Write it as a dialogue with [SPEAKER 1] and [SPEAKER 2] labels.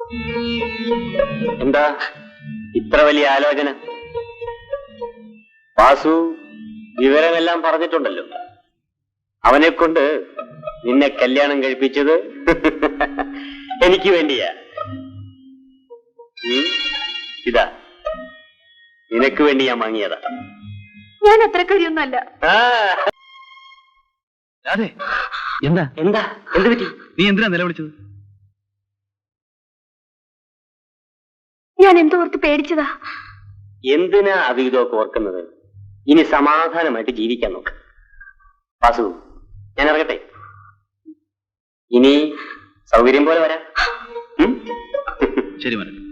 [SPEAKER 1] എന്താ ഇത്ര വലിയ ആലോചന? വാസു വിവരമെല്ലാം പറഞ്ഞിട്ടുണ്ടല്ലോ. അവനെ കൊണ്ട് നിന്നെ കല്യാണം കഴിപ്പിച്ചത് എനിക്ക് വേണ്ടിയാ. ഇതാ നിനക്ക് വേണ്ടി ഞാൻ വാങ്ങിയതാ.
[SPEAKER 2] ഞാൻ അത്ര കാര്യമൊന്നുമല്ല.
[SPEAKER 3] അതെ, എന്താ
[SPEAKER 1] എന്താ എന്ത് പറ്റി?
[SPEAKER 3] നീ എന്തിനാ നിലവിളിച്ചത്?
[SPEAKER 2] ഞാൻ എന്തോർത്ത് പേടിച്ചതാ.
[SPEAKER 1] എന്തിനാ അവിഹിതമൊക്കെ ഓർക്കുന്നത്? ഇനി സമാധാനമായിട്ട് ജീവിക്കാൻ നോക്ക്. വാസു, ഞാൻ ഇറങ്ങട്ടെ. ഇനി സൗകര്യം പോലെ വരാം.
[SPEAKER 3] ശരി മനസ്സിലായി.